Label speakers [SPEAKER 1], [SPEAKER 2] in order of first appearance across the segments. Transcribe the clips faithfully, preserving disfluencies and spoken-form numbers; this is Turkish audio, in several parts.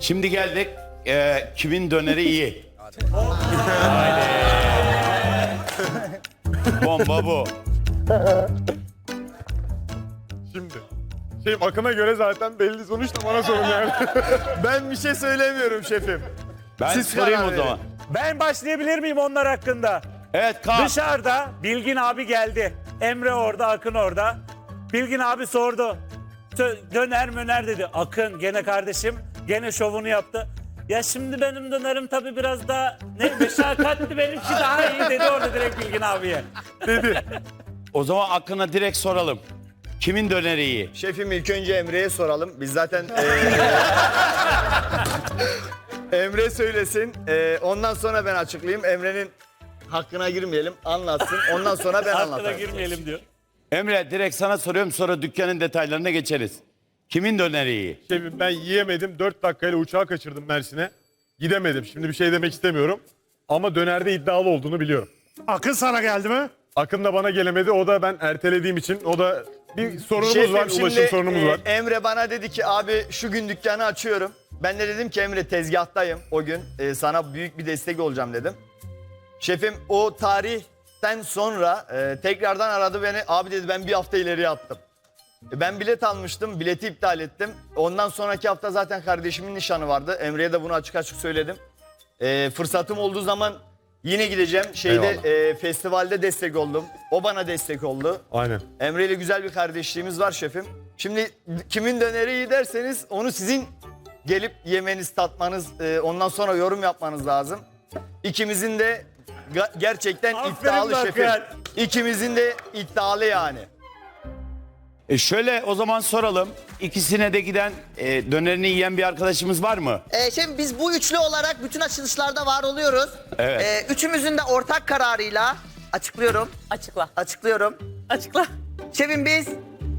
[SPEAKER 1] Şimdi geldik. Ee, kimin döneri iyi? Bomba bu.
[SPEAKER 2] Şimdi. Şey Akın'a göre zaten belli sonuç da bana sorun yani.
[SPEAKER 3] Ben bir şey söylemiyorum şefim.
[SPEAKER 1] Ben
[SPEAKER 3] Siz
[SPEAKER 1] sorayım
[SPEAKER 3] karar
[SPEAKER 1] o zaman.
[SPEAKER 4] Ben başlayabilir miyim onlar hakkında?
[SPEAKER 1] Evet kalk.
[SPEAKER 4] Dışarıda Bilgin abi geldi. Emre orada, Akın orada. Bilgin abi sordu. Tö- Döner möner dedi. Akın gene kardeşim gene şovunu yaptı. Ya şimdi benim dönerim tabii biraz daha ne meşakkatli, benimki daha iyi dedi orada direkt Bilgin abiye.
[SPEAKER 1] O zaman Akın'a direkt soralım. Kimin döneri iyi?
[SPEAKER 3] Şefim ilk önce Emre'ye soralım. Biz zaten eee, Emre söylesin. Eee, ondan sonra ben açıklayayım. Emre'nin hakkına girmeyelim. Anlatsın. Ondan sonra ben
[SPEAKER 4] Hakkına
[SPEAKER 3] anlatayım.
[SPEAKER 4] girmeyelim diyor.
[SPEAKER 1] Emre direkt sana soruyorum, sonra dükkanın detaylarına geçeriz. Kimin döneri iyi?
[SPEAKER 2] Şefim ben yiyemedim. dört dakikayla uçağı kaçırdım Mersin'e. Gidemedim. Şimdi bir şey demek istemiyorum. Ama dönerde iddialı olduğunu biliyorum.
[SPEAKER 5] Akın sana geldi mi?
[SPEAKER 2] Akın da bana gelemedi. O da ben ertelediğim için. O da bir sorunumuz
[SPEAKER 3] Şefim,
[SPEAKER 2] var. Ulaşım
[SPEAKER 3] şimdi,
[SPEAKER 2] sorunumuz
[SPEAKER 3] eee,
[SPEAKER 2] var.
[SPEAKER 3] Emre bana dedi ki abi şu gün dükkanı açıyorum. Ben de dedim ki Emre tezgahtayım o gün. Eee, sana büyük bir destek olacağım dedim. Şefim o tarihten sonra eee, tekrardan aradı beni. Abi dedi ben bir hafta ileriye attım. E, Ben bilet almıştım, bileti iptal ettim. Ondan sonraki hafta zaten kardeşimin nişanı vardı. Emre'ye de bunu açık açık söyledim. E, fırsatım olduğu zaman yine gideceğim. Şeyde
[SPEAKER 2] Eyvallah.
[SPEAKER 3] e, festivalde destek oldum. O bana destek oldu.
[SPEAKER 2] Aynen.
[SPEAKER 3] Emre ile güzel bir kardeşliğimiz var şefim. Şimdi kimin döneri iyi derseniz onu sizin gelip yemeniz, tatmanız, e, ondan sonra yorum yapmanız lazım. İkimizin de ga- gerçekten
[SPEAKER 4] Aferin
[SPEAKER 3] iddialı
[SPEAKER 4] bak
[SPEAKER 3] şefim.
[SPEAKER 4] ya.
[SPEAKER 3] İkimizin de iddialı yani.
[SPEAKER 1] E şöyle o zaman soralım. İkisine de giden e, dönerini yiyen bir arkadaşımız var mı?
[SPEAKER 6] Ee, şimdi biz bu üçlü olarak bütün açılışlarda var oluyoruz.
[SPEAKER 1] Evet.
[SPEAKER 6] Ee, üçümüzün de ortak kararıyla açıklıyorum.
[SPEAKER 7] Açıkla.
[SPEAKER 6] Açıklıyorum.
[SPEAKER 7] Açıkla.
[SPEAKER 6] Şefim biz...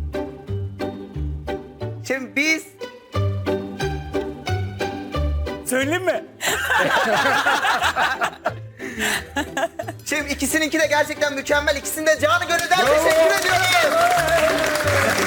[SPEAKER 6] Şefim biz...
[SPEAKER 4] Söyleyeyim mi?
[SPEAKER 6] Şefim ikisininki de gerçekten mükemmel. İkisini de canı gönülden teşekkür ediyorum.